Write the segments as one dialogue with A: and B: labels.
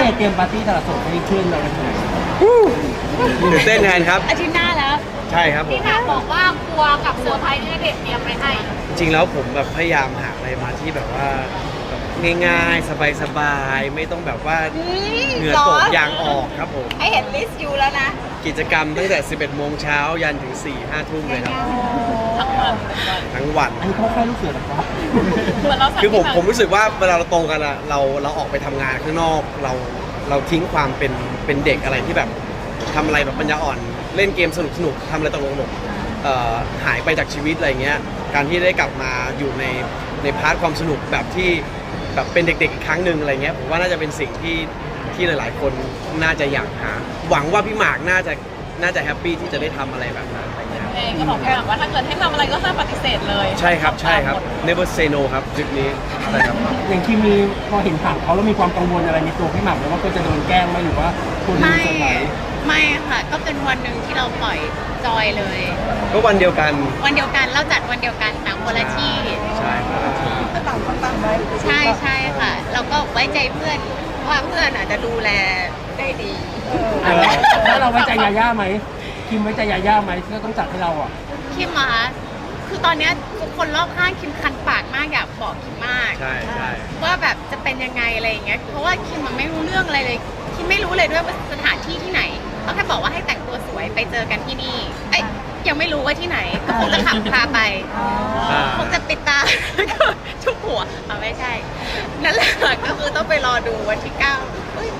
A: เตรียมปาร์ตี้ตลาดสดให้เพื่อนเราเป็นไง
B: ตื่นเต้นแทนครับ
C: อาทิตย์หน้าแล้ว
B: ใช่ครับผม
C: พี่หมากบอกว่ากลัวกับเซอร์ไพรส์ที่ณเดชน์เตรียมไปให้
B: จริงๆแล้วผมแบบพยายามหาอะไรมาที่แบบว่าแบบง่ายๆ สบายๆไม่ต้องแบบว่าเหงื่อตกยางออกครับผม
C: ให้เห็นลิสต์อยู่แล้วนะ
B: กิจกรรมตั้งแต่ 11 โมงเช้ายันถึง 4-5 ทุ่มเลยครับทั้งวัน
A: อันนี้เขาค่ายลูกเสือหรอครับ
C: เหมือนเรา
B: คือผมรู้สึกว่าเวลาเราโตกันอะเราออกไปทำงานข้างนอกเราทิ้งความเป็นเด็กอะไรที่แบบทำอะไรแบบปัญญาอ่อนเล่นเกมสนุกทำอะไรตลกๆหายไปจากชีวิตอะไรเงี้ยการที่ได้กลับมาอยู่ในพาร์ทความสนุกแบบที่แบบเป็นเด็กๆอีกครั้งหนึ่งอะไรเงี้ยผมว่าน่าจะเป็นสิ่งที่หลายๆ คนน่าจะอยากหาหวังว่าพี่หมากน่าจะแฮปปี้ที่จะได้ทำอะไรแบบนั้นอะไรเงี้ย
C: เองก็บอกพี่หมากว่าถ้าเกิดให้ทำอะไรก็ห้ามปฏิเสธเลย
B: ใช่ครับ never say no ครับจุดนี้ใช่ครับ
A: อย่างคิมมีพอเห็นข่าวเขาแล้วมีความกังวลอะไรในตัวพี่หม่ำไหมว่าก็จะโดนแกล้งไหมหรือว่าคนดูจะไหน
D: ไม่ค่ะ ก็เป็นวันหนึ่งที่เราปล่อยจอยเลย
B: ก็วันเดียวกัน
D: วันเดียวกันเราจัดวันเดียวกันต่างคนละที่
B: ใช่ครับ
D: ใช่ใช่ค่ะ เราก็ไว้ใจเพื่อนว่าเพื่อนอาจจะดูแลได้ดี
A: แล้วเราไว้ใจยาย่าไหมคิมไว้ใจยาย่าไหมที่ต้องจัดให้เราอ่ะ
D: คิมมาคือตอนเนี้ยทุกคนรอบข้างคิมคันปากมากอยากบอกคิมมาก
B: ใช่
D: ว่าแบบจะเป็นยังไงอะไรอย่างเงี้ย เพราะว่าคิมมันไม่รู้เรื่องอะไรเลย คิมไม่รู้เลยด้วยว่าสถานที่ที่ไหนเขาแค่บอกว่าให้แต่งตัวสวยไปเจอกันที่นี่ เอ้ยยังไม่รู้ว่าที่ไหน ก็คงจะขับพาไป คงจะปิดตา แล้วก็ชุบหัวไม่ใช่ นั่นแหละก็คือต้องไปรอดูวันที่9เอ้ย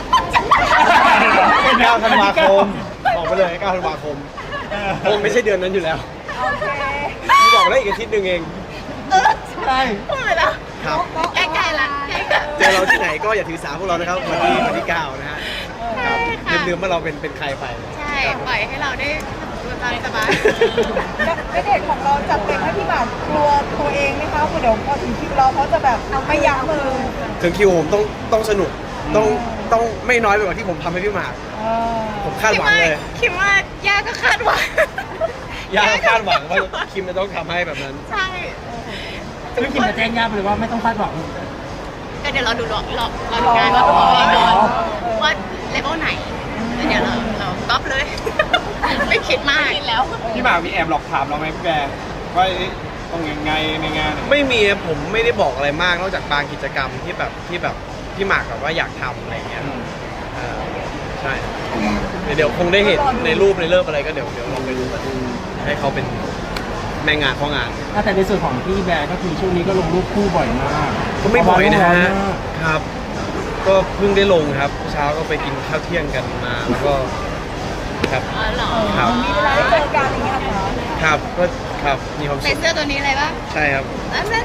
B: 9 ธันวาคมบอกไปเลย9 ธันวาคมคงไม่ใช่เดือนนั้นอยู่แล้วพี่บอกแล้วอีกอาทิตย์หนึ่งเอง
A: ใช่
D: พูดไปแล้ว
B: ครับ
D: ใกล้ๆละใกล้ๆ
B: เจอเราที่ไหนก็อย่าถือสาพวกเรานะครับวันที่9นะฮะครับ
D: ใช่ค่ะ
B: ลืมว่าเราเป็นใครไป
D: ใช่ ปล่อยให้เราได้ดูตามสบาย
E: ณเดชน์ของเราจัดเต็มให้พี่หมากกลัวตัวเองไหมคะเดี๋ยวพอถึงคิวเราเขาจะแบบไม่ยั้งมือ
B: ถึงคิวผมต้องสนุกต้องไม่น้อยไปกว่าที่ผมทำให้พี่หมากผมคาดหวังเลย
D: คิดว่าย่าก็คาดหวัง
B: ยากคาดหวังว่าคิมจะต้องทำให้แบบนั้น
D: ใช่
A: ซึ่งคิมจะแจ้งย่าไปเลยว่าไม่ต้องคาดหวัง
D: ก็เดี๋ยวเราดูหลอกเราดูงานว่าตัวเองก่อนว่าเลเวลไหนแล้วเดี๋ยวเราก๊อปเลย ไม่คิดมากแล้ว
F: พี่หมากมีแอบหลอกถามเราไหมพี่แบร์ว่าต้องยังไงในงาน
B: ไม่มีผมไม่ได้บอกอะไรมากนอกจากบางกิจกรรมที่แบบพี่หมากแบบว่าอยากทำอะไรอย่างเงี้ยใช่เดี๋ยวคงได้เห็นในรูปในเริ่มอะไรก็เดี๋ยวลองไปดูกันให้เขาเป็นแม่งานข้องาน
A: แต่ในส่วนของพี่แบร์ก็คือช่วงนี้ก็ลงรูปคู่บ่อยมาก
B: ก็ไม่บ่อยนะฮะ
A: เพราว่าโลกร้อนมาก
B: ครับ ก็เพิ่งได้ลงครับ เช้าก็ไปกินข้าวเที่ยงกันมาแล้วก็ครับ
D: อ๋อเหรอ
B: ครับ
E: มีเวลาได้เจอกันอย่างเงี้ยเหรอ
B: ครับก็ครับมีความ
D: ใส่
B: สุข
D: เสื้อตัวนี้เลยปะ
B: ใช่ครับ
D: อันนั้น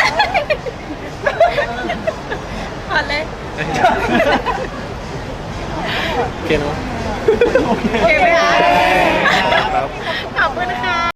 D: ถอดเลย
B: โอเคเนาะ
A: โอเค
D: โอเคไหมคะ
B: ครับ
D: ขอบคุณค่ะ